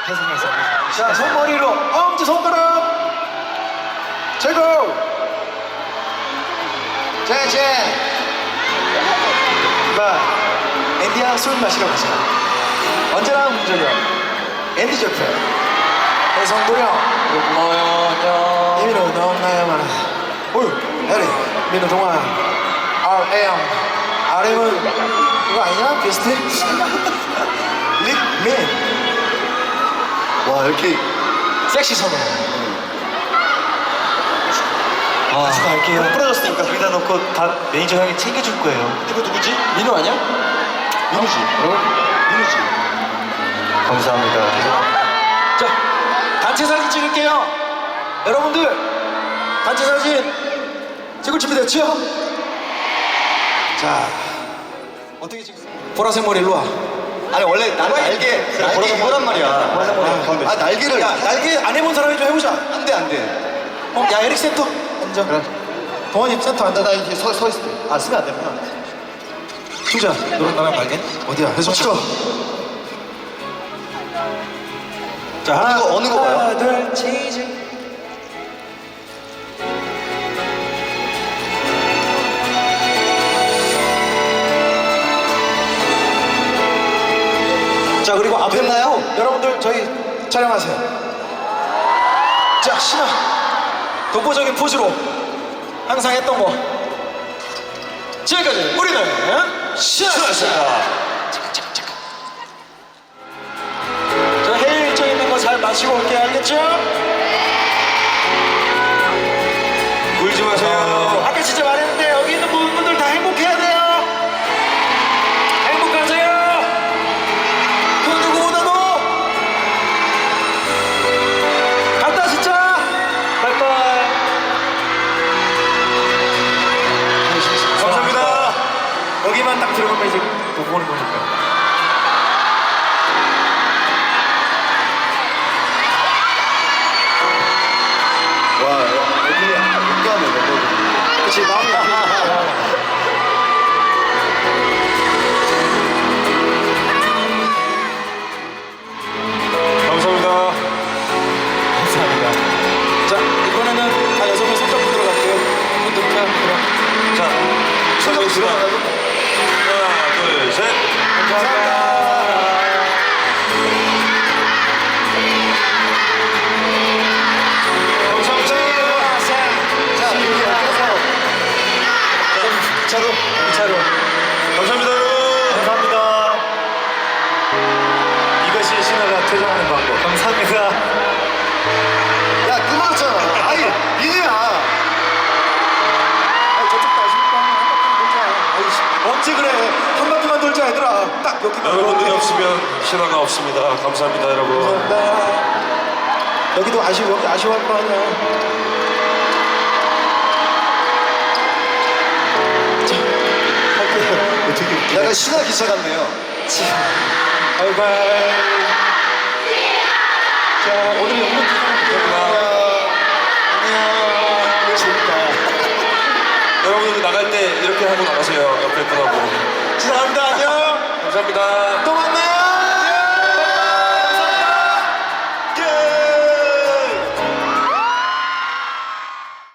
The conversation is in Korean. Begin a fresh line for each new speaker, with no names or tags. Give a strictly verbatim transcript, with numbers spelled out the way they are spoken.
해석해서.
자, 손머리로 엄지손가락 제고. 자, 이제 봐, 앤디야 술 마시러 가자. 언제나 문정현, 앤디 조표, 해성도령. 고마워요. 안녕. 이민호 넌 나야만. 어휴, 에리, 민호 동안. 알엠, 알엠은 그거 아니냐? 비스트? 릭민.
와 이렇게
섹시 선호.
아,
같이 갈게요.
부러졌으니까 거기다 놓고 다 매니저 형이 챙겨줄 거예요.
이거 누구지? 민호 아니야?
민우지.
어? 민호지.
감사합니다.
자, 단체 사진 찍을게요. 여러분들, 단체 사진 찍을 준비 됐죠? 자, 어떻게 찍겠어요? 보라색 머리 일로 와.
아니 원래 난 날개 날개 이거란 말이야. 보라색 머리. 아 날개를.
야, 날개 안 해본 사람이 좀 해보자.
안돼 안돼.
어, 야, 에릭 센터 앉아.
그래.
동원이 센터 앉아.
나 이렇게 서 서 있을 때. 아 쓰면 안 되구나.
투자, 너랑 나랑 발견? 어디야? 해서 찍어. 자, 하나,
어느 거, 어느 거 봐요?
하나, 둘, 치즈. 자, 그리고 앞에
됐나요?
여러분들 저희 촬영하세요. 자, 신화 독보적인 포즈로 항상 했던 거. 지금까지 우리는 신화였습니다. 저 해외 일정 있는 거 잘 마시고 올게요. 알겠죠?
울지 마세요.
아까 진짜 말했는데 여기 있는 모든 분들 다 행복해야 돼요. 행복하세요. 그 누구보다도 간다 진짜. 바이바이.
감사합니다.
여기만 딱 들어가면 이제 못 보는 거니까.
와 여기 용감해 멤버들이.
그치, 마음이
감사합니다.
감사합니다. 자, 이번에는 다 여섯 명 손잡고 들어갈게요. 분들 그냥 그럼.
자 시작하겠습니다. 하나 둘 셋.
감사합니다. 차로, 차로.
감사합니다 여러분.
감사합니다. 이것이 신화가 퇴장하는 방법.
감사합니다. 야 끊어졌잖아. 아니 니네야.
아니, 저쪽도 아쉽니까? 한 바퀴만 돌자. 아이씨, 언제 그래? 한 바퀴만 돌자, 얘들아. 딱 여기만.
여러분들이
돌자.
없으면 신화가 없습니다. 감사합니다 여러분.
감사합니다. 여기도 아쉬워, 여기 아쉬워할 거 아니야. 자, 할게요. 되게 웃기네.
약간 신화 기차 같네요.
바이바이. 자, 오늘 영상
감사합니다.
안녕. 재밌다.
여러분들 나갈 때 이렇게 하고 나가세요. 옆에 분하고.
죄송합니다. 안녕.
감사합니다.
또 만나요.